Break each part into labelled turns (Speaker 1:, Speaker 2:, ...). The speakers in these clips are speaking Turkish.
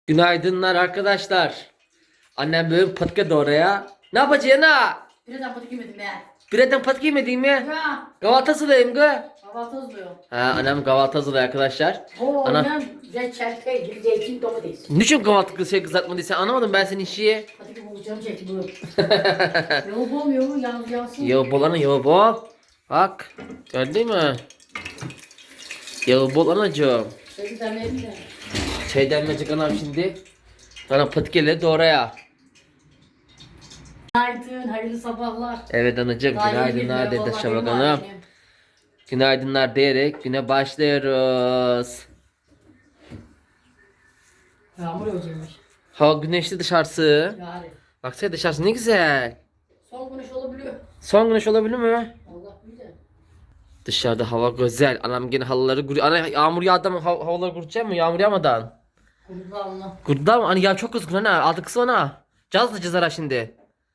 Speaker 1: Günaydınlar arkadaşlar. Annem böyle patika doğraya. Ne yapacaksın ha?
Speaker 2: Birden patik yemedim ben.
Speaker 1: Birden patika yemedin mi?
Speaker 2: Ya.
Speaker 1: Kahvaltı hazırlayayım gı.
Speaker 2: Kahvaltı hazırlıyor.
Speaker 1: Ha, annem kahvaltı hazırlıyor arkadaşlar.
Speaker 2: Oo,
Speaker 1: Ana,
Speaker 2: ben reçel, peynir, zeytin, domates.
Speaker 1: niçin kahvaltı kızartmadıysan anlamadım ben senin işi.
Speaker 2: Patik bulacağım zeytin bu. Yoğun olmuyor mu? Yalnız yansın.
Speaker 1: Yağı bol ana yağı bol. Bak gördün mü? Yağı bol anacığım.
Speaker 2: Şöyle demleyelim de.
Speaker 1: Şey demleyecek anam şimdi. Ana patikeleri doğraya.
Speaker 2: Günaydın, hayırlı sabahlar.
Speaker 1: Evet anacığım
Speaker 2: Daha yeni
Speaker 1: günaydınlar
Speaker 2: girdim,
Speaker 1: dedi
Speaker 2: vallahi
Speaker 1: Şabak
Speaker 2: benim
Speaker 1: Hanım.
Speaker 2: annem.
Speaker 1: Günaydınlar diyerek güne başlıyoruz.
Speaker 2: Yağmur yağacakmış.
Speaker 1: Hava güneşli dışarısı.
Speaker 2: Yani.
Speaker 1: Baksana dışarısı ne güzel.
Speaker 2: Son güneş olabiliyor.
Speaker 1: Son güneş olabilir mi?
Speaker 2: Allah bilir.
Speaker 1: Dışarıda hava güzel. Anam gene halıları kuruyor. Ana yağmur yağdı mı havaları kurutacak mı? Yağmur yağmadan.
Speaker 2: Kulağımla.
Speaker 1: Kurutlar mı? Hani ya çok kızgın ana. Aldı kız ona. Cazlı cızara şimdi.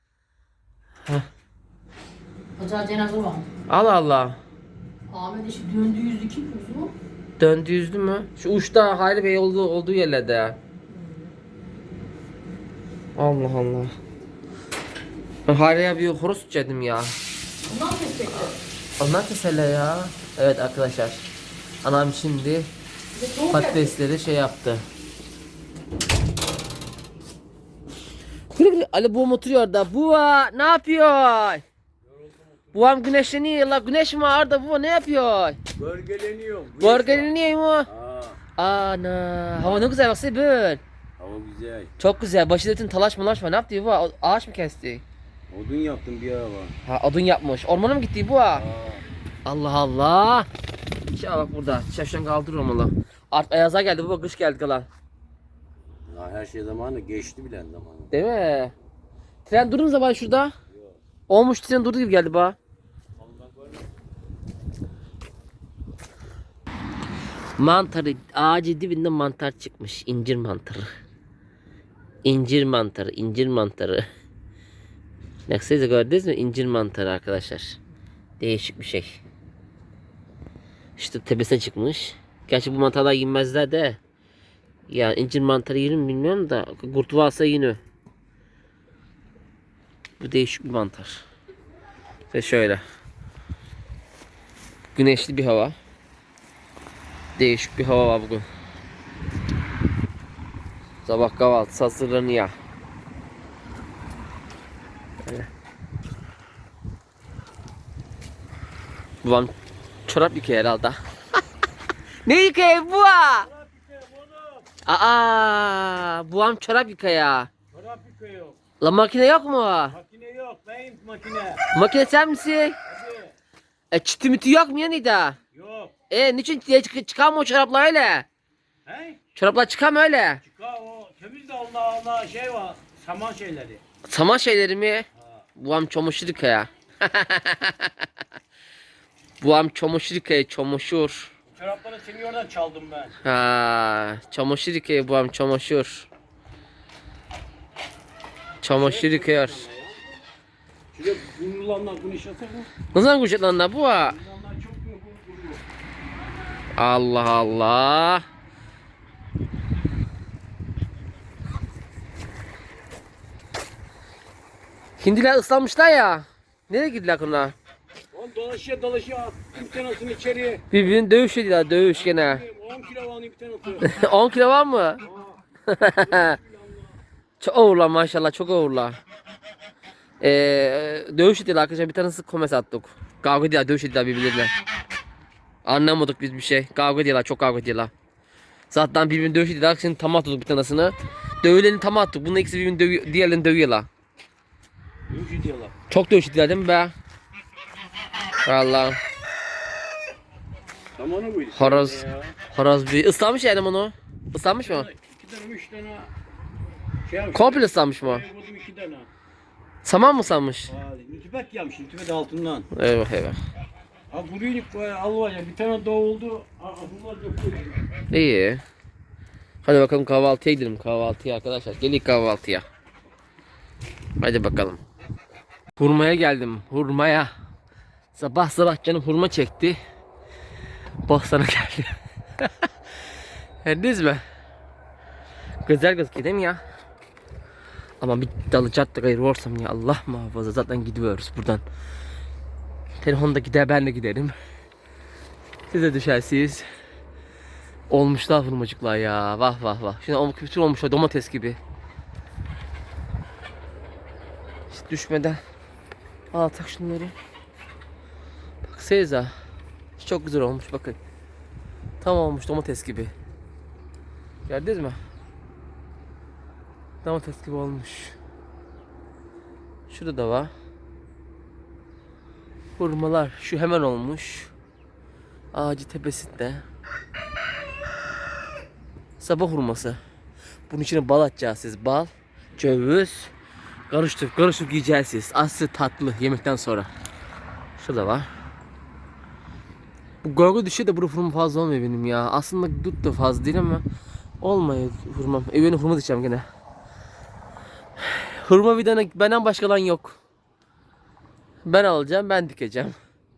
Speaker 2: Pazar cenaze var.
Speaker 1: Allah Allah.
Speaker 2: Ahmet işi döndü yüzü kim mu?
Speaker 1: Döndü yüzdü mü? Şu uçta Hayri Bey olduğu yerlerde. Allah Allah. Ben Hayri'ye bir horoz tutacaktım ya.
Speaker 2: Ondan mı kesecekti?
Speaker 1: Onlar kesele ya. Evet arkadaşlar. Anam şimdi
Speaker 2: Bir de soğuk geldi.
Speaker 1: patatesleri şey yaptı. Güle güle. Ali buğum oturuyor orada. Buğa ne yapıyor? Buğam güneşleniyor la. Güneş mi orada? Buğa ne yapıyor?
Speaker 3: Bölgeleniyor.
Speaker 1: Bölgeleniyor mu?
Speaker 3: Aa,
Speaker 1: Ana. Hava ne güzel baksana böyle.
Speaker 3: hava güzel.
Speaker 1: Çok güzel. Başıdetin talaş malaş mı? Ne yaptı Buğa? Ağaç mı kesti?
Speaker 3: Odun yaptım bir araba.
Speaker 1: Ha odun yapmış. Ormana mı gitti Buğa?
Speaker 3: Aa,
Speaker 1: Allah Allah. Şey bak burada. Şaşan kaldırır olmalı. Artık ayaza geldi Buğa. Kış geldi kalan.
Speaker 3: ya her şey zamanı geçti bile zamanı.
Speaker 1: Değil mi? Tren durur mu zaman şurada? Olmuş tren durdu gibi geldi bana. Mantarı ağacı dibinde mantar çıkmış. İncir mantarı. İncir mantarı, incir mantarı. Baksanıza gördünüz mü? İncir mantarı arkadaşlar. Değişik bir şey. İşte tepesine çıkmış. Gerçi bu mantarlar yenmezler de. Ya incir mantarı yenir mi bilmiyorum da. Kurt varsa yenir. Bu değişik bir mantar. Ve şöyle. Güneşli bir hava. Değişik bir hava var bugün. Sabah kahvaltısı hazırlanıyor. Böyle. Babam çorap yıkıyor herhalde. Ne yıkıyor bu? Babam çorap yıkıyor.
Speaker 3: Çorap yıkıyor.
Speaker 1: La makine yok mu?
Speaker 3: Makine yok. Neyim makine?
Speaker 1: Makine sen misin?
Speaker 3: Hadi.
Speaker 1: Çiti miti yok mu yani da?
Speaker 3: Yok.
Speaker 1: Niçin çıkar mı o çoraplar öyle?
Speaker 3: He?
Speaker 1: Çoraplar çıkar mı öyle?
Speaker 3: Çıkar o. Temiz de Allah şey var. Saman şeyleri.
Speaker 1: Saman şeyleri mi?
Speaker 3: Ha.
Speaker 1: Babam çamaşır yıkıyor. Babam çamaşır yıkıyor, çamaşır.
Speaker 3: Çorapları seni oradan çaldım ben.
Speaker 1: Ha, çamaşır yıkıyor babam çamaşır. Çamaşır yıkıyor.
Speaker 3: Şuraya bunlarla bunu işletsek mi?
Speaker 1: Ne zaman kuşat lan bu?
Speaker 3: Bunlarla çok mu bunu?
Speaker 1: Allah Allah. Hindiler ıslanmışlar ya. Nereye gittiler onlar?
Speaker 3: Oğlum dolaşıyor. Bir tanesini içeriye.
Speaker 1: Birbirini dövüş ediyorlar, dövüş gene.
Speaker 3: 10 kilo var bir tanesi.
Speaker 1: 10 kilo var mı? Çok ağırlar maşallah, çok ağırlar. Dövüş ediyorlar arkadaşlar, bir tanesi komes attık. Kavga ediyorlar, dövüş ediyorlar birbirlerine. Anlamadık biz bir şey. Kavga ediyorlar, çok kavga ediyorlar. Zaten birbirini dövüş ediyorlar, şimdi tam attık bir tanesini. Dövüleni tam attık, bunun ikisi birbirini dövüyor, diğerlerini dövüyorlar.
Speaker 3: Dövüş ediyorlar.
Speaker 1: Çok dövüş ediyorlar değil mi be? Vallahi.
Speaker 3: Zamanı buydu.
Speaker 1: Horoz.
Speaker 3: Ya.
Speaker 1: Horoz bir ıslanmış yani bunu. Islanmış mı?
Speaker 3: 2 tane 3 tane şey yapmış.
Speaker 1: Komple ıslanmış mı?
Speaker 3: Koydum 2 tane.
Speaker 1: Saman mı ıslanmış?
Speaker 3: Nütübet gelmiş, nütübet altından.
Speaker 1: Eyvah eyvah.
Speaker 3: Ha burayı al var ya, bir tane daha oldu. Bunlar döküyor.
Speaker 1: İyi. Hadi bakalım kahvaltıya gidelim. Kahvaltıya arkadaşlar. Gelin kahvaltıya. Hadi bakalım. Hurmaya geldim. Hurmaya. Sabah sabah canım hurma çekti. Bak sana geldi. Hendiniz mi? Güzel gözüküyor değil mi ya? Ama bir dalacak da gayrı olsam ya, Allah muhafaza, zaten gidiyoruz buradan. Telefonda gider, ben de giderim. Siz de düşersiniz. Olmuşlar hurmacıklar ya, vah vah vah. Şimdi bütün olmuşlar domates gibi. Hiç düşmeden alsak şunları. Baksanıza. Çok güzel olmuş, bakın. Tam olmuş domates gibi. Gördünüz mü? Domates gibi olmuş. Şurada da var. Hurmalar şu hemen olmuş. Ağacı tepesinde. Sabah hurması. Bunun içine bal atacağız siz. Bal, ceviz. Karıştırıp yiyeceksiniz. Aslı tatlı yemekten sonra. Şurada var. Bu gölge düşüyor da bu hurma fazla olmuyor benim ya. Aslında dut da fazla değil ama olmuyor hurmam. Benim hurma diyeceğim gene. Hurma vidana benden başka lan yok. Ben alacağım, ben dikeceğim.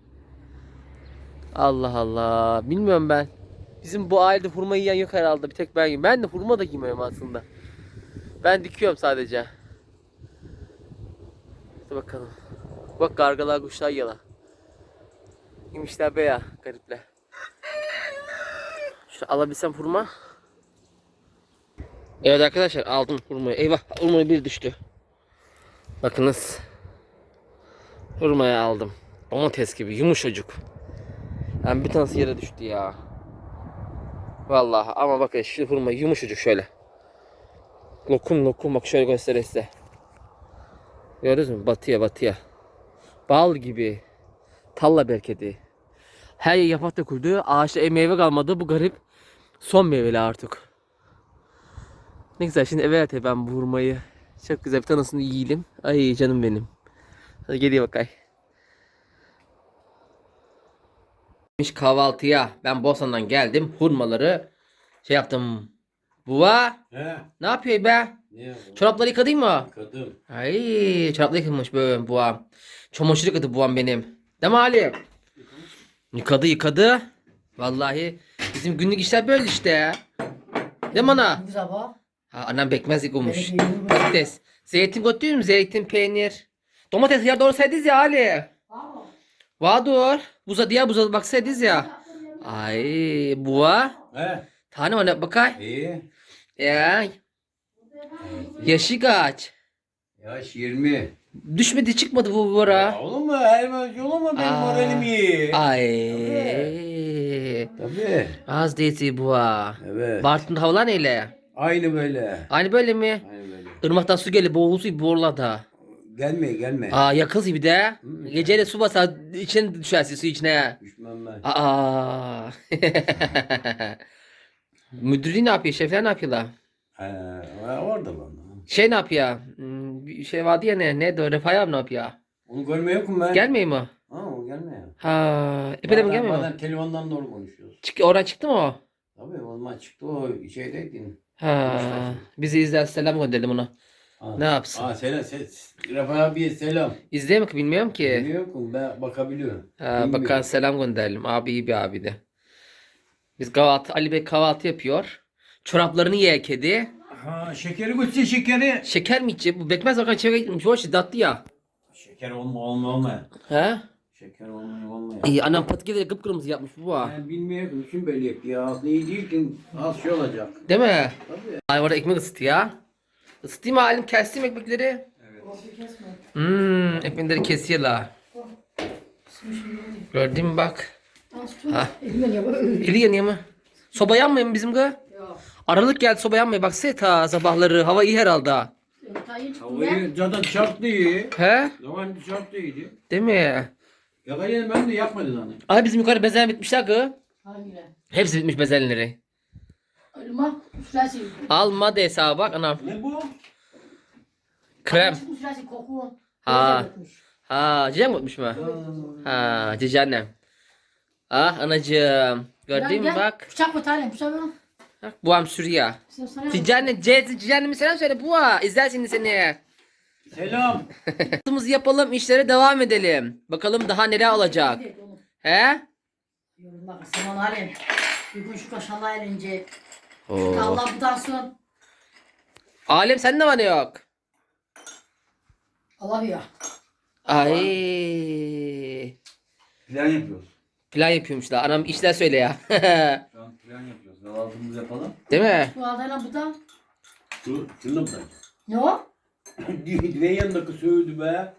Speaker 1: Allah Allah. Bilmiyorum ben. Bizim bu ailede hurma yiyen yok herhalde. Bir tek ben yiyeyim. Ben de hurma da yemiyorum aslında. Ben dikiyorum sadece. Hadi bakalım. Bak kargalar, kuşlar yala. Yemişler be ya, garipler. Şunu alabilsem hurma. Evet arkadaşlar, aldım hurmayı. Eyvah, hurmayı bir düştü. Bakınız. Hurmayı aldım. Domates gibi yumuşacık. Yani bir tanesi yere düştü ya. Vallahi ama bakın şu hurma yumuşacık şöyle. Lokum lokum, bak şöyle göstereyim size. Gördünüz mü? Batıya. Bal gibi. Talla berkedi. Her yer yaprak döküldü. Ağaçta meyve kalmadı. Bu garip. Son meyveli artık. Ne güzel, şimdi eve atayım ben bu hurmayı. Çok güzel, bir tanesini yiyelim. Ay canım benim. Hadi geliyor bakay. Kahvaltıya ben Bosna'dan geldim. Hurmaları şey yaptım. Buva,
Speaker 3: He.
Speaker 1: ne yapıyor be?
Speaker 3: Ne?
Speaker 1: Çorapları yıkadın mı?
Speaker 3: Kadın.
Speaker 1: Ay, çorapları yıkamış böyle buam. Çamaşır yıkadı buam benim. Değil mi Ali? Yıkadı. Vallahi bizim günlük işler böyle işte. Değil mi ana?
Speaker 2: Bu sabah.
Speaker 1: Ha, annem bekmez yıkamış.
Speaker 2: Evet, yiyorum.
Speaker 1: Patates. Zeytin götürüyor mu? Zeytin, peynir. Domates ya, doğru saydınız ya Ali.
Speaker 2: Tamam.
Speaker 1: Vadur. Buza buza baksaydınız ya. Ay buğa.
Speaker 3: He.
Speaker 1: Tane var ne bakay.
Speaker 3: İyi.
Speaker 1: Ya. Yaşı kaç?
Speaker 3: Yaş 20.
Speaker 1: Düşmedi, çıkmadı bu
Speaker 3: Ya
Speaker 1: bora.
Speaker 3: olur mu? Her olur mu? Benim
Speaker 1: Aa.
Speaker 3: moralim iyi.
Speaker 1: Ay.
Speaker 3: Tabii.
Speaker 1: Az değilse buğa.
Speaker 3: Evet.
Speaker 1: Bartın havalar neyle?
Speaker 3: Aynı böyle.
Speaker 1: Aynı böyle mi?
Speaker 3: Aynı böyle.
Speaker 1: Irmaktan su gelip boğulsun borlada.
Speaker 3: Gelme.
Speaker 1: Aa, yakız gibi de. Geceyle su basar, içine düşersin, su içine.
Speaker 3: Düşmem ben.
Speaker 1: Aa. Müdürü ne yapıyor? Şefler ne yapıyorlar?
Speaker 3: Orada lan.
Speaker 1: Şey ne yapıyor? Bir şey vardı ya, neydi o? Refah abi ne yapıyor?
Speaker 3: Onu görmüyor musun ben?
Speaker 1: Gelmiyor mu?
Speaker 3: Ha, o gelmiyor.
Speaker 1: Ha, epey de mi gelmiyor mu?
Speaker 3: Bazen telefondan doğru konuşuyoruz.
Speaker 1: Oradan çıktı mı o?
Speaker 3: Tabii o zaman çıktı o şeydeydin.
Speaker 1: Ha, bizi izler, selam gönderelim ona.
Speaker 3: Ha.
Speaker 1: Ne yapsın?
Speaker 3: Selam. Rafa abiye selam.
Speaker 1: İzleyemiyor ki, bilmiyorum ki.
Speaker 3: Bilmiyor musun? Ben bakabiliyorum.
Speaker 1: Ha, bakan selam gönderelim. Abi iyi bir abi de. Biz kahvaltı, Ali Bey kahvaltı yapıyor. Çoraplarını ye kedi.
Speaker 3: Ha, şekeri götür şekeri.
Speaker 1: Şeker mi içecek? Bu bekmez bakan çevre gitmiş. Hoş tatlı ya.
Speaker 3: Şeker olma.
Speaker 1: He?
Speaker 3: Şeker olma.
Speaker 1: İyi, annem patikleri kıpkırmızı yapmış bu ha.
Speaker 3: Ben bilmiyorum. Kim böyle yapıyor? Aslında iyi değil ki az şey olacak.
Speaker 1: Değil mi?
Speaker 3: Tabii.
Speaker 1: Ay, orada ekmek ısıtı ya. Isıtayım mı halim? Kestim ekmekleri.
Speaker 2: Orası kesme.
Speaker 1: Ekmekleri kesiyorlar. Gördün mü bak. Ha.
Speaker 2: Elimden yapar.
Speaker 1: Eli yanıyor mu? Soba yanmıyor mu bizim kız?
Speaker 2: Yok.
Speaker 1: Aralık geldi, soba yanmıyor. Bak ta sabahları. Hava iyi herhalde.
Speaker 2: Yumurtayı çıktım ben.
Speaker 3: Havayı zaten dışarıda iyi.
Speaker 1: He?
Speaker 3: Zaman dışarıda iyiydi.
Speaker 1: Değil mi?
Speaker 3: Yakalayan ben de yapmadı hani.
Speaker 1: Ay, bizim yukarı bezen bitmişler kız.
Speaker 2: Hangileri?
Speaker 1: Hepsi bitmiş bezenleri.
Speaker 2: Elma üflersin.
Speaker 1: Alma de hesaba bak anam.
Speaker 3: Ne bu?
Speaker 1: Krem.
Speaker 2: Üflersin koku.
Speaker 1: Ha.
Speaker 2: Gözle dökmüş.
Speaker 1: Ha, cici mi unutmuş mu? Ha, cici annem. Ah anacığım. Gördün mü
Speaker 2: Gel,
Speaker 1: bak.
Speaker 2: Bıçak mı tane bıçak mı?
Speaker 1: Bak buam sürüyor.
Speaker 2: Sen sana
Speaker 1: Cici anne, cici anneme selam söyle buğa. İzler şimdi seni.
Speaker 3: Selam.
Speaker 1: Yaptığımızı yapalım, işlere devam edelim. Bakalım daha neler olacak. He?
Speaker 2: Yorumlar sana halim. Bir gün şu kaşarla elince.
Speaker 1: Oo.
Speaker 2: Allah butansın.
Speaker 1: Alem sende var ne yok?
Speaker 2: Allah ya.
Speaker 1: Ay.
Speaker 4: Plan yapıyoruz.
Speaker 1: Plan yapıyormuşlar. Anam işler söyle ya.
Speaker 4: Şu an plan yapıyoruz. Kahvaltımızı yapalım.
Speaker 1: Değil mi?
Speaker 2: Şu adayla bu da.
Speaker 4: Şunu da bırak.
Speaker 2: Ne o?
Speaker 4: Ve yanındaki söğüdü be.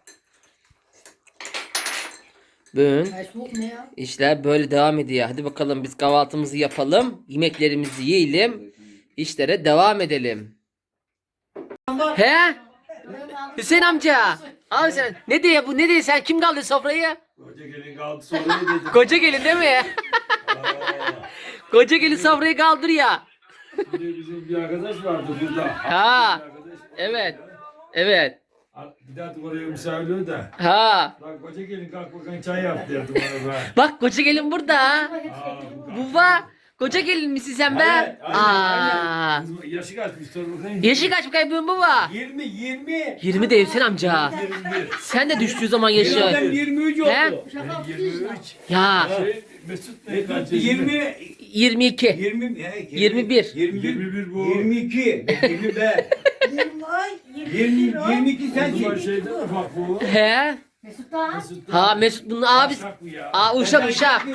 Speaker 1: Bugün
Speaker 2: Ay soğuk ne ya?
Speaker 1: işler böyle devam ediyor. Hadi bakalım biz kahvaltımızı yapalım. Yemeklerimizi yiyelim. İşlere devam edelim. He? Hüseyin amca. Abi sen ne diye bu ne diye sen kim kaldı sofrayı?
Speaker 3: Hoca gelin kaldı sonra dedi.
Speaker 1: Koca gelin değil mi? Koca gelin sofrayı kaldır ya.
Speaker 3: Şimdi bizim bir arkadaş vardı burada.
Speaker 1: Ha.
Speaker 3: Bir arkadaş.
Speaker 1: Evet. Evet.
Speaker 3: Bir daha oraya misafirliği de.
Speaker 1: Ha.
Speaker 3: Bak hoca gelin kalk bakalım çay yap derdim ona ben.
Speaker 1: Bak koca gelin burada. Baba. Koca gelin misin sen be?
Speaker 4: Aynen,
Speaker 1: Aa.
Speaker 3: Kızım, yaşı kaçmış sor bakayım.
Speaker 1: Yaşı kaç bakayım baba?
Speaker 4: 20.
Speaker 1: 20 de Hüseyin amca.
Speaker 3: 21.
Speaker 1: Sen de düştüğü zaman
Speaker 4: Ben
Speaker 1: yaşı.
Speaker 4: 23
Speaker 1: He?
Speaker 4: oldu.
Speaker 3: Ben 23.
Speaker 1: Ya.
Speaker 3: Mesut ne kaç yaşında?
Speaker 4: 20.
Speaker 1: 22.
Speaker 4: 20.
Speaker 1: 21.
Speaker 3: 21 bu.
Speaker 4: 22. 20 be. 22
Speaker 3: O zaman
Speaker 4: sensin.
Speaker 3: şeyden ufak bu.
Speaker 1: He?
Speaker 2: Mesut da.
Speaker 3: Mesut da.
Speaker 1: Ha Mesut bunun abisi.
Speaker 3: Uşak bu ya.
Speaker 1: Aa uşak uşak.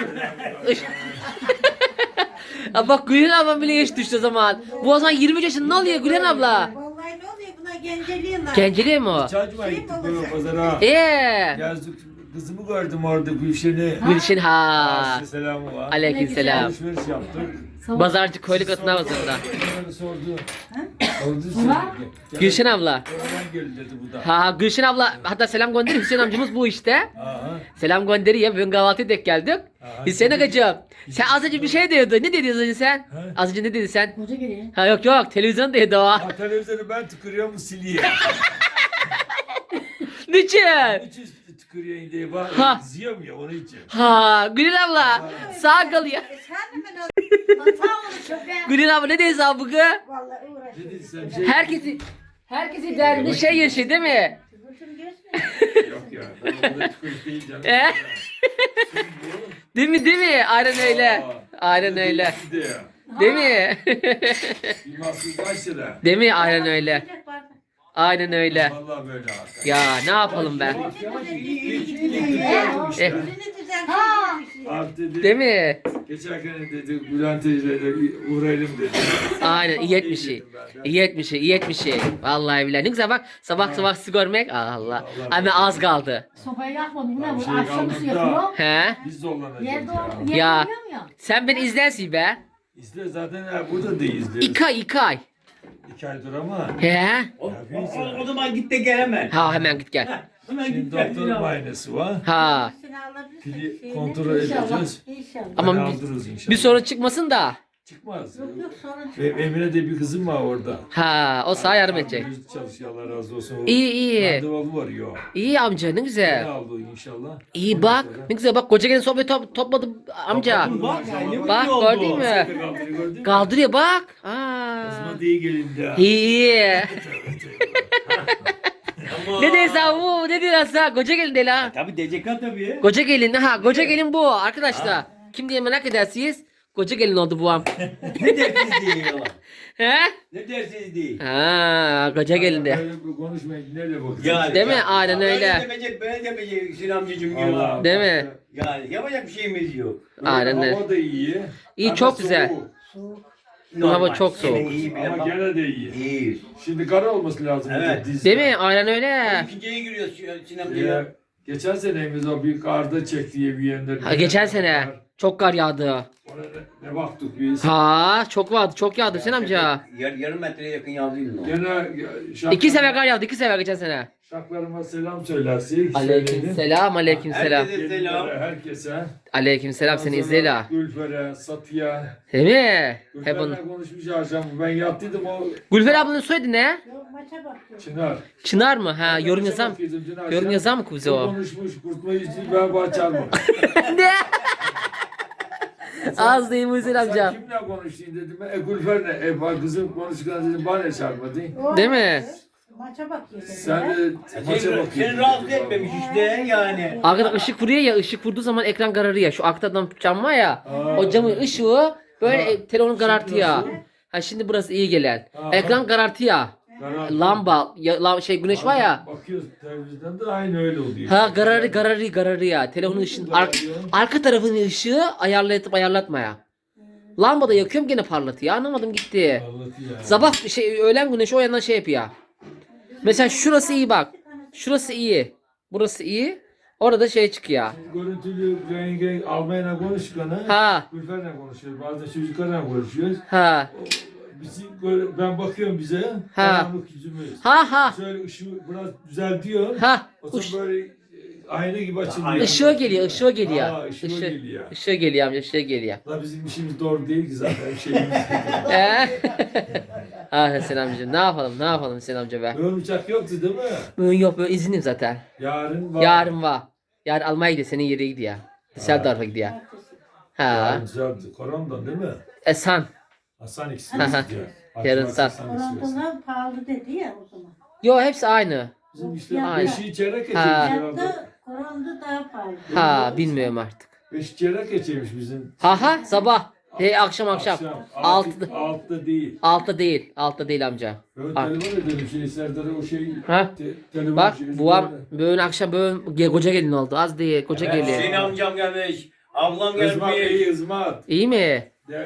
Speaker 1: Ha bak Gülen ablam bile yaş düştü o zaman. Bu o zaman 23 yaşında ne oluyor Gülen abla?
Speaker 5: Vallahi ne oluyor buna genceliğinden.
Speaker 1: Genceliğe mi o?
Speaker 3: Çaycıma gittik böyle pazara.
Speaker 1: Eee.
Speaker 3: Kızımı gördüm orada Gülşen'i.
Speaker 1: Gülşin ha.
Speaker 3: Size selamı var.
Speaker 1: Aleykümselam.
Speaker 3: Alışveriş yaptık.
Speaker 1: Pazarcı köylü kadına pazarında.
Speaker 3: Bana sordu. Sordu sürekli.
Speaker 1: Gülşin abla.
Speaker 3: Oradan geldi dedi bu da.
Speaker 1: Ha Gülşin abla hatta selam gönderiyor. Hüseyin amcamız bu işte.
Speaker 3: Aha.
Speaker 1: Selam gönderiyor. Bugün kahvaltıya denk geldik.
Speaker 3: Aha.
Speaker 1: Hüseyin agacığım. Sen az önce bir şey diyordun. Ne dedin az önce sen?
Speaker 3: He?
Speaker 1: Az önce ne dedin sen?
Speaker 2: Koca geliyor.
Speaker 1: Ha yok yok televizyon dedi o.
Speaker 3: Ha, televizyonu ben tıkırıyorum siliyor.
Speaker 1: Niçin?
Speaker 3: Hiç tıkırıyor diye bak.
Speaker 1: Ha.
Speaker 3: Ziyorum ya onun için.
Speaker 1: Ha Gülün abla sağ kalıyor.
Speaker 5: Sen de ben hata olmuş çok be.
Speaker 1: Gülün abla ne diyorsun abi bugün?
Speaker 5: Vallahi uğraşıyorum.
Speaker 3: Dedi sen şey
Speaker 1: Herkesi derdinde şey yaşıyor değil mi?
Speaker 5: Kızım gözme.
Speaker 3: yok ya. Ben orada tıkırık değil canım.
Speaker 1: He? Değil mi değil mi? Aynen öyle.
Speaker 3: Aa.
Speaker 1: Aynen öyle.
Speaker 3: Bir de ya.
Speaker 1: Değil mi?
Speaker 3: Bir mahsus kaç lira?
Speaker 1: Değil mi? Aynen öyle.
Speaker 5: Sıcak bardak.
Speaker 1: Aynen öyle.
Speaker 3: Vallahi böyle hakikaten.
Speaker 1: Ya ne yapalım ben?
Speaker 3: İşte.
Speaker 5: Elini düzen
Speaker 3: Artı dedi.
Speaker 1: Değil mi?
Speaker 3: Geçerken dedi Bülent teyzeyle uğrayalım dedi.
Speaker 1: Aynen iyi etmiş şey. İyi etmiş şey, iyi etmiş şey. Vallahi billahi ne güzel bak sabah sabah sizi görmek. Allah. Ama az kaldı.
Speaker 2: Sobayı yakmadım. Bu ne bu?
Speaker 3: Şey
Speaker 2: Akşamüstü
Speaker 3: kalmadı da.
Speaker 2: yapıyor.
Speaker 1: He?
Speaker 3: Biz zorlanacağız
Speaker 2: Yerde
Speaker 3: ya.
Speaker 2: yer
Speaker 1: Ya.
Speaker 2: görüyor mu?
Speaker 1: Sen beni izlersin be.
Speaker 3: İzle zaten ha, burada da izleriz.
Speaker 1: 2 ay 2 ay.
Speaker 3: 2 aydır ama.
Speaker 1: He?
Speaker 4: O zaman git de gel hemen.
Speaker 1: Ha hemen git gel.
Speaker 4: Hemen
Speaker 3: Şimdi
Speaker 4: git gel.
Speaker 3: doktor muayenesi var.
Speaker 1: Ha.
Speaker 3: Pili kontrol edeceğiz.
Speaker 5: İnşallah.
Speaker 1: Ama
Speaker 3: Hani
Speaker 1: bir-
Speaker 3: aldırırız inşallah.
Speaker 1: Bir sorun çıkmasın da.
Speaker 3: Çıkmaz.
Speaker 5: Yok sorun.
Speaker 3: Benim Emine de bir kızım var orada.
Speaker 1: Ha o sana yardım edecek.
Speaker 3: Düz çalışıyor Allah razı olsun. O
Speaker 1: İyi iyi.
Speaker 3: Randevu var yok.
Speaker 1: İyi amca ne
Speaker 3: Ne
Speaker 1: güzel.
Speaker 3: aldı inşallah.
Speaker 1: İyi bak. Ne güzel bak koca gelin sohbet topladım amca.
Speaker 4: Bak ne
Speaker 1: Bak
Speaker 4: oldu?
Speaker 1: gördün mü?
Speaker 3: Kaldırı gördün mü?
Speaker 1: Kaldırıyor bak. Aa.
Speaker 3: Kızma değil gelindi.
Speaker 1: İyi iyi. Ne diyorsun bu? Ne diyorsun sen? Koca gelin değil ha.
Speaker 4: Tabii DCK tabii.
Speaker 1: Koca gelin ha. Koca gelin bu arkadaşlar. Kim diye merak edersiniz? Koca gelin oldu bu am.
Speaker 4: Ne dersiz değil yalan.
Speaker 1: He?
Speaker 4: Ne dersiz değil.
Speaker 1: Ha, koca gelin de.
Speaker 3: Böyle bir konuşmayın. Neyle bakıyorsun?
Speaker 4: Yani,
Speaker 1: Değil mi?
Speaker 4: ya,
Speaker 1: Aynen öyle.
Speaker 4: Böyle demeyecek, böyle demeyecek Hüseyin amcacığım
Speaker 3: Allah.
Speaker 4: ya.
Speaker 1: Değil mi?
Speaker 4: Yani yapacak bir şeyimiz yok.
Speaker 1: Aynen öyle.
Speaker 3: Hava da iyi.
Speaker 1: İyi,
Speaker 3: Ama
Speaker 1: çok güzel.
Speaker 3: soğuk.
Speaker 1: Bu hava
Speaker 4: Normal.
Speaker 1: çok soğuk.
Speaker 4: Yine iyi bile
Speaker 3: Ama
Speaker 4: bak.
Speaker 3: gene de iyi.
Speaker 4: İyiyiz.
Speaker 3: Şimdi kara olması lazım.
Speaker 4: Evet.
Speaker 3: Dizde.
Speaker 1: Değil mi? Aynen öyle.
Speaker 4: İkinciye giriyoruz Hüseyin
Speaker 3: Ya,
Speaker 4: amcaya.
Speaker 3: geçen senemiz o bir karda çekti diye bir yerinde.
Speaker 1: Ha, geçen sene çok kar yağdı.
Speaker 3: Ona ne baktık biz.
Speaker 1: Ha, çok vardı. Çok yağdı Hüseyin amca.
Speaker 4: Yarım metreye yakın yazdıydı o.
Speaker 3: Gene
Speaker 1: 2 sefer kar yağdı. 2 sefer geçen sene.
Speaker 3: şaklarıma selam söylersin.
Speaker 1: Aleyküm selam. Aleyküm selam.
Speaker 4: Herkese selam.
Speaker 3: Herkese.
Speaker 1: Aleyküm selam seni
Speaker 3: Ondan sonra
Speaker 1: izleyle.
Speaker 3: Gülfer'e, Satı'ya.
Speaker 1: Değil mi? Hep
Speaker 3: Gülfer'le
Speaker 1: onu.
Speaker 3: konuşmuş akşam. Ben yattıydım o
Speaker 1: Gülfer ablanın soyadı ne?
Speaker 5: Yok maça bakıyorum.
Speaker 3: Çınar.
Speaker 1: Çınar mı? Ha, yorum
Speaker 3: Maça
Speaker 1: yazan.
Speaker 3: bakıyordum dün akşam.
Speaker 1: Yorum yazan mı bize o?
Speaker 3: Konuşmuş, kurtma yüzü ben bahçar mı?
Speaker 1: Ne? Az değil mi Hüseyin
Speaker 3: Sen
Speaker 1: amca?
Speaker 3: kimle konuştun dedim. Gülfer'le. Bak kızım konuşurken dedim bana çarpma değil.
Speaker 5: O
Speaker 1: Değil mi?
Speaker 5: Maça bakıyor.
Speaker 3: Sen de maça
Speaker 4: Seni
Speaker 3: bakıyorsun.
Speaker 4: rahatsız etmemiş işte yani.
Speaker 1: Arkada ışık vuruyor ya, ışık vurduğu zaman ekran kararıyor. Şu arkadan cam var ya, o camın ışığı böyle
Speaker 3: Ha.
Speaker 1: telefonu karartıyor.
Speaker 3: nasıl?
Speaker 1: Ha şimdi burası iyi gelen.
Speaker 3: Ha.
Speaker 1: Ekran karartıyor. Lamba, şey güneş var ya.
Speaker 6: Bakıyoruz televizyonda da aynı öyle oluyor.
Speaker 1: Ha gararı ya. Telefonun ışığın arka tarafının ışığı ayarlatma ya. Lambada yakıyorum gene parlatıyor. Anlamadım gitti.
Speaker 6: Parlatıyor yani.
Speaker 1: Sabah şey öğlen güneşi o yandan şey yapıyor. Mesela şurası iyi bak. Şurası iyi. Burası iyi. Orada şey çıkıyor.
Speaker 6: Görüntülü yenge Almanya'yla konuşurken
Speaker 1: Ha.
Speaker 6: Gülfer'le konuşuyoruz. Bazen çocuklarla konuşuyoruz.
Speaker 1: Ha.
Speaker 6: Ben bakıyorum bize.
Speaker 1: Ha.
Speaker 6: Karanlık yüzümüz.
Speaker 1: Ha.
Speaker 6: Şöyle ışığı biraz düzeltiyor.
Speaker 1: Ha.
Speaker 6: O zaman böyle ayna gibi açılıyor.
Speaker 1: Işığı geliyor.
Speaker 6: Ha, ışığı
Speaker 1: Işığı
Speaker 6: geliyor.
Speaker 1: Işığı geliyor amca, ışığı geliyor.
Speaker 6: La bizim işimiz doğru değil ki zaten şeyimiz.
Speaker 1: Ah Hüseyin amca ne yapalım Hüseyin amca be.
Speaker 6: Ön uçak yoktu değil mi?
Speaker 1: Bugün yok böyle izinim zaten.
Speaker 6: Yarın var.
Speaker 1: Yarın var. Yarın Almanya'ya gidiyor, senin yere gidiyor. Düsseldorf'a gidiyor. Ha.
Speaker 6: Yarın güzeldi. Korondan değil mi?
Speaker 1: Esan.
Speaker 6: Hasan ikisini istiyor.
Speaker 1: Yarın
Speaker 6: Hasan
Speaker 1: sat.
Speaker 6: istiyorsun.
Speaker 5: Orantılar pahalı dedi ya o zaman.
Speaker 1: Yo hepsi aynı.
Speaker 6: Bizim işte
Speaker 1: Aynen.
Speaker 6: beşi çeyrek geçeymiş
Speaker 1: Ha.
Speaker 6: herhalde.
Speaker 5: Hayatta koranda daha pahalı.
Speaker 1: Ha bilmiyorum artık.
Speaker 6: Beşi çeyrek geçeymiş bizim.
Speaker 1: Ha sabah. Akşam.
Speaker 6: Altıda değil.
Speaker 1: Altta değil amca.
Speaker 6: Ben
Speaker 1: Alt.
Speaker 6: telefon edelim şey Serdar'a o şey.
Speaker 1: Ha?
Speaker 6: Telefon
Speaker 1: Bak
Speaker 6: şeyi-
Speaker 1: buam böyle akşam böyle koca gelin oldu. Az değil koca
Speaker 4: Hüseyin
Speaker 1: gelin.
Speaker 4: amcam gelmiş. Ablam
Speaker 6: Izmat
Speaker 4: gelmiş.
Speaker 6: iyi ızmat.
Speaker 1: İyi mi?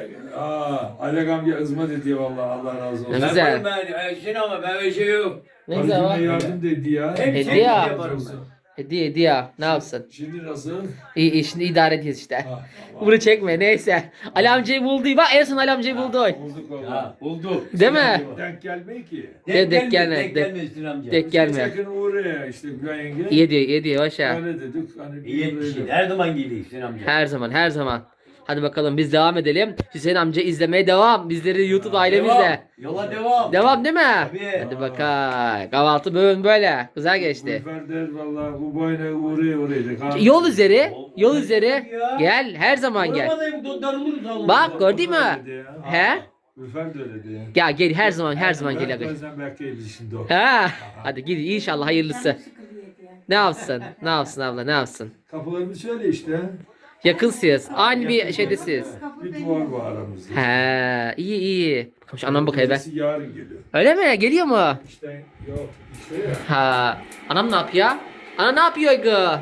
Speaker 6: Alek amca ızmat ediyor vallahi Allah razı olsun.
Speaker 1: Ne
Speaker 4: Ben
Speaker 1: güzel.
Speaker 4: yaparım ben. Hüseyin ama ben öyle şey yok.
Speaker 1: Ne güzel
Speaker 6: Azime
Speaker 1: var.
Speaker 6: yardım dedi ya.
Speaker 4: Hep
Speaker 1: Hediye
Speaker 4: sevdiğim
Speaker 1: ya.
Speaker 4: yaparım ben.
Speaker 1: Hediye ne yapsın?
Speaker 6: Şimdi nasıl?
Speaker 1: İyi şimdi idare ediyoruz işte.
Speaker 6: Ha,
Speaker 1: Bunu çekme neyse. Ali amcayı buldu. Bak en son Ali amcayı buldu.
Speaker 6: bulduk valla.
Speaker 4: Ha, bulduk.
Speaker 1: Değil mi?
Speaker 6: Denk gelmeyi ki.
Speaker 1: Denk gelme,
Speaker 4: Denk
Speaker 1: denk-
Speaker 4: gelme Hüseyin amca.
Speaker 1: Tek gelme.
Speaker 6: Sakın uğraya işte Gülen yenge.
Speaker 1: İyi diyor başa.
Speaker 6: Öyle dedik. Hani
Speaker 4: İyi etmişsin. Her zaman geliyor Hüseyin amca.
Speaker 1: Her zaman. Hadi bakalım biz devam edelim. Hüseyin amca izlemeye devam. Bizleri YouTube ailemizle.
Speaker 4: Yola devam.
Speaker 1: Devam değil mi?
Speaker 4: Tabii.
Speaker 1: Hadi bakalım. Kahvaltı bugün böyle. Güzel geçti.
Speaker 6: Gülfer der valla bu boyuna uğraya.
Speaker 1: Yol üzeri. Yol
Speaker 4: O-
Speaker 1: üzeri.
Speaker 4: ya.
Speaker 1: Gel her zaman gel.
Speaker 4: Orada darılırız oğlum.
Speaker 1: Bak gördün mü? He?
Speaker 6: Gülfer de öyle diyor.
Speaker 1: Ya gel her zaman gel.
Speaker 6: Ben bazen bekleyebilir şimdi o.
Speaker 1: Ha. Hadi gidin inşallah hayırlısı. Ne yapsın? Ne yapsın abla ne yapsın?
Speaker 6: Kapılarımız şöyle işte.
Speaker 1: Yakınsınız. Aynı bir şeydesiniz.
Speaker 6: Bir duvar var aramızda.
Speaker 1: He, iyi. Bakalım şu anam bakayım ben.
Speaker 6: Birisi yarın geliyor.
Speaker 1: Öyle mi? Geliyor mu?
Speaker 6: İşte yok işte ya.
Speaker 1: Ha. Anam ne yapıyor? Ana ne yapıyor gı?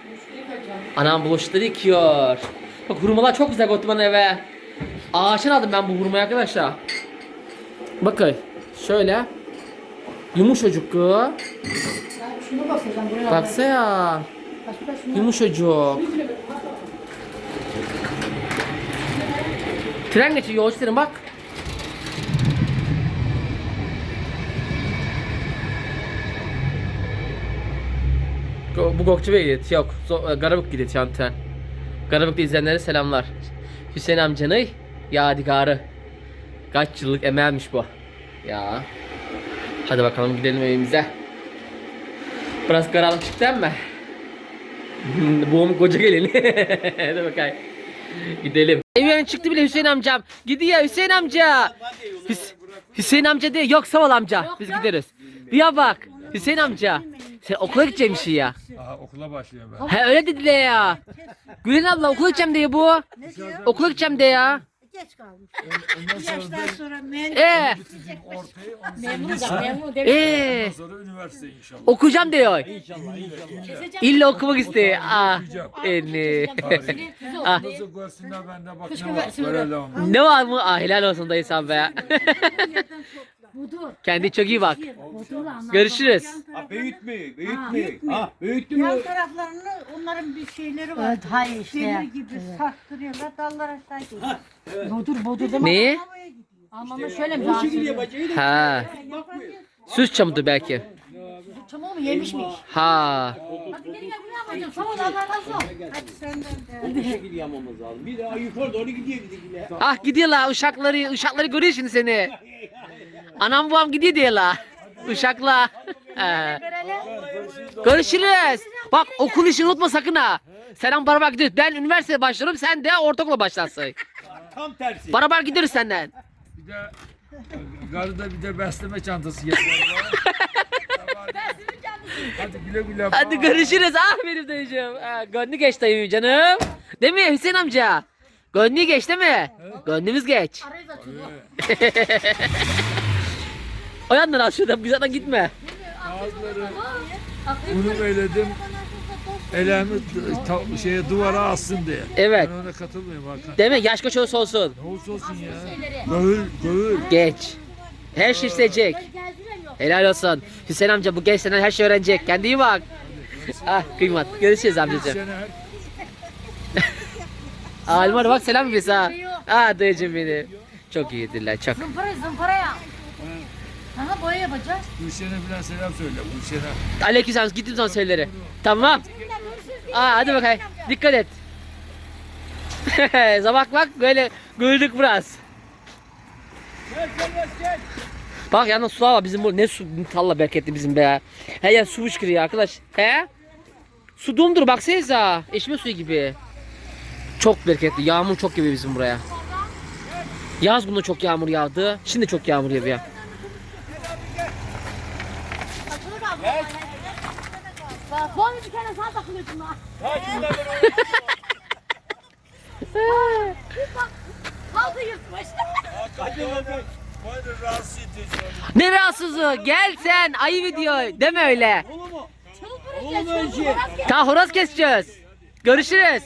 Speaker 1: Anam bulaşıkları yıkıyor. Bak hurmalar çok güzel götü bana eve. Ağaçtan aldım ben bu hurmayı arkadaşlar. Bakın. Şöyle. Yumuşacık gı.
Speaker 2: Ya şunu basacağım buraya.
Speaker 1: Baksana.
Speaker 2: Başka şunu.
Speaker 1: Yumuşacık. Tren geçiyor yolcu tren bak. Bu Gokçu Bey gidiyor. Yok. Garabık gidiyor şu an tren. Garabık'ta izleyenlere selamlar. Hüseyin amcanın yadigarı. Kaç yıllık emeğiymiş bu. Ya. Hadi bakalım gidelim evimize. Biraz karanlık çıktı ama. Bu koca gelin. Hadi bakalım. Gidelim. Evden çıktı bile Hüseyin amcam. Gidiyor Hüseyin amca. Hüseyin amca diyor. Yok sağ ol amca. Biz gideriz. Bir ya bak. Hüseyin amca. Sen okula gidecekmişsin ya.
Speaker 6: Aha okula başlıyor ben.
Speaker 1: He öyle dediler ya. Gülen abla okula gideceğim diye bu.
Speaker 5: Ne diyor?
Speaker 1: Okula gideceğim diye ya.
Speaker 5: Geç kalmış.
Speaker 6: Ondan
Speaker 5: Bir
Speaker 6: sonra
Speaker 5: yaştan sonra mühendis.
Speaker 6: bitirdim ortayı. Ondan sonra
Speaker 2: Memur
Speaker 6: lise.
Speaker 2: da memur değil.
Speaker 6: Ondan sonra üniversite inşallah.
Speaker 1: Okuyacağım diyor.
Speaker 6: İnşallah inşallah.
Speaker 1: İlla okumak istiyor. Ah. Eni. Ah.
Speaker 6: Nasıl görsünler ben de bak ne var. Böyle devam.
Speaker 1: Ne var mı? Ah helal olsun dayı sen be.
Speaker 2: Budur.
Speaker 1: Kendi çok iyi bak.
Speaker 2: Budurla anlat.
Speaker 1: Görüşürüz.
Speaker 4: Ha büyüt mü?
Speaker 5: büyük
Speaker 4: Büyüt
Speaker 5: mü?
Speaker 4: mü? Ha büyüttü mü?
Speaker 5: Yan taraflarını onların bir şeyleri var.
Speaker 2: Evet, hayır işte.
Speaker 5: Demir gibi sarktırıyorlar dallar aşağı gidiyor.
Speaker 2: Budur değil mi?
Speaker 1: Ne?
Speaker 5: Havaya gidiyor.
Speaker 2: Almanlar şöyle mi?
Speaker 4: O şekilde bacayı da.
Speaker 1: Ha. Süs çamıdır belki.
Speaker 2: Çamur mu yemişmiş?
Speaker 1: Ha.
Speaker 2: Hadi gel gel buraya alacağım. Sağ ol Allah razı olsun.
Speaker 5: Hadi senden de.
Speaker 4: Bu şekilde yamamız lazım. Bir daha yukarı doğru gidiyor bizimkiler.
Speaker 1: Ah gidiyorlar uşakları görüyor şimdi seni. Anam babam gidiyor diyorlar. Uşakla. He. Görüşürüz. Bak okul işini unutma sakın ha. Selam beraber gidiyoruz. Ben üniversiteye başlarım sen de ortaokula başlarsın.
Speaker 4: Tam tersi.
Speaker 1: Beraber gidiyoruz senden.
Speaker 6: Bir de garıda bir de besleme çantası getiriyor. Hadi güle güle.
Speaker 1: Hadi görüşürüz. Ah benim dayıcığım. Ha, gönlü geç dayım canım. Değil mi Hüseyin amca? Gönlü geç değil mi? Gönlümüz geç. O yandan al şuradan. Bir zaten gitme.
Speaker 6: Bazıları unu eledim. Elemi şeye duvara assın diye.
Speaker 1: Evet.
Speaker 6: Ben ona katılmıyorum Hakan.
Speaker 1: Değil mi? Yaş kaç olursa olsun.
Speaker 6: Ne olursa olsun ya. Göğül.
Speaker 1: Geç. Her şey isteyecek. Helal olsun. Hüseyin amca bu genç senden her şey öğrenecek. Kendine iyi bak. Ah kıymat. Görüşürüz amcacığım.
Speaker 6: Sene
Speaker 1: Almar bak selam biz ha. Ah dayıcım benim. Çok iyidirler çok.
Speaker 5: Zımpara ya. Aha boya yapacağız.
Speaker 6: Gülşen'e falan selam söyle. Gülşen'e.
Speaker 1: Aleykümselam gittim son söyleri. Tamam. Aa hadi bakayım. Dikkat et. Bak böyle güldük biraz. Bak yalnız su var bizim bu ne su talla bereketli bizim be. Her yer su fışkırıyor arkadaş. He? Su dumdur baksanıza. İçme suyu gibi. Çok bereketli. Yağmur çok gibi bizim buraya. Yaz bunda çok yağmur yağdı. Şimdi çok yağmur yağıyor.
Speaker 5: Bak bu bir kere sağ takılıyorsun ha. Kaldı yırtmış.
Speaker 1: Ne rahatsızlığı? Gel sen ayı video. Deme öyle. Ta horoz keseceğiz. Görüşürüz.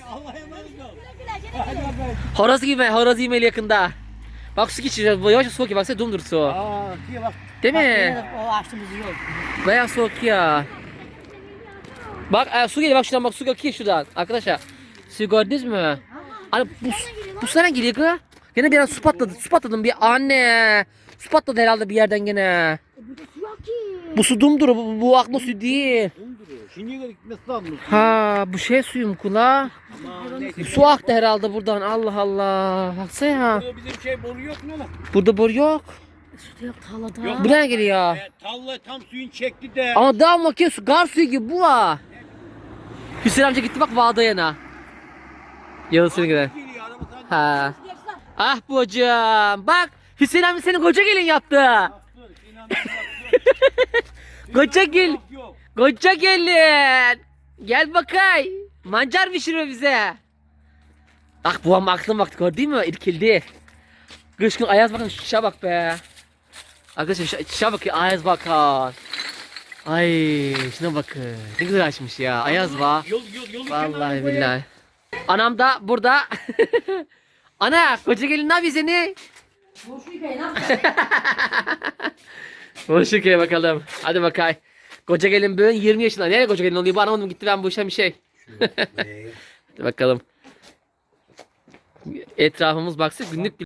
Speaker 1: Horoz yemeli yakında. Bak su geçeceğiz. Yavaş soğuk ya. Baksana dumdur su.
Speaker 2: Bak.
Speaker 1: Değil mi?
Speaker 2: O açtığımız yok.
Speaker 1: Bayağı soğuk ya. Bak su geliyor bak şuradan bak su akıyor şuradan. Arkadaşlar su gördünüz mü? Hani bu sana geliyor kız. Gene bir ara su patladı. Su patladı bir anne. Su patladı herhalde bir yerden gene. Bu su dumdur. Bu akma su değil.
Speaker 4: Şimdi gitmesi lazım.
Speaker 1: Ha bu şey suyum kula. Su aktı herhalde buradan. Allah Allah. Baksana ya.
Speaker 4: Burada bizim şey boru yok mu lan?
Speaker 1: Burada boru yok.
Speaker 2: Su da yok tarlada.
Speaker 4: Yok.
Speaker 1: Bu nereye geliyor?
Speaker 4: Talla tam suyun çekti de.
Speaker 1: Ama daha bakıyor su gar suyu gibi bu ha. Hüseyin amca gitti bak vağda yana. Yavuz seni gider.
Speaker 4: Geliyor, araba sadece
Speaker 1: Ha. Ah bu hocam. Bak Hüseyin amca seni koca gelin yaptı.
Speaker 4: bastır, Sinan bastır.
Speaker 1: Koca gel.
Speaker 4: Yok.
Speaker 1: Koca gelin. Gel bakay. Mancar pişiriyor bize. Bak bu ama aklım baktı gördün mü? İrkildi. Kış gün ayaz bakın şişe bak be. Arkadaşlar şişe bakın ayaz bakın. Ay şuna bakın. Ne güzel açmış ya. Ayaz var.
Speaker 4: Yolu
Speaker 1: Vallahi billahi. Anam da burada. Ana koca gelin ne yapıyor seni?
Speaker 2: Boşu hikaye ne yapacağız?
Speaker 1: Boşukaya bakalım. Hadi bakay. Koca gelin bugün 20 yaşında. Nereye koca gelin oluyor? Bu anlamadım gitti ben bu işe bir şey. Hadi bakalım. Etrafımız baksa günlük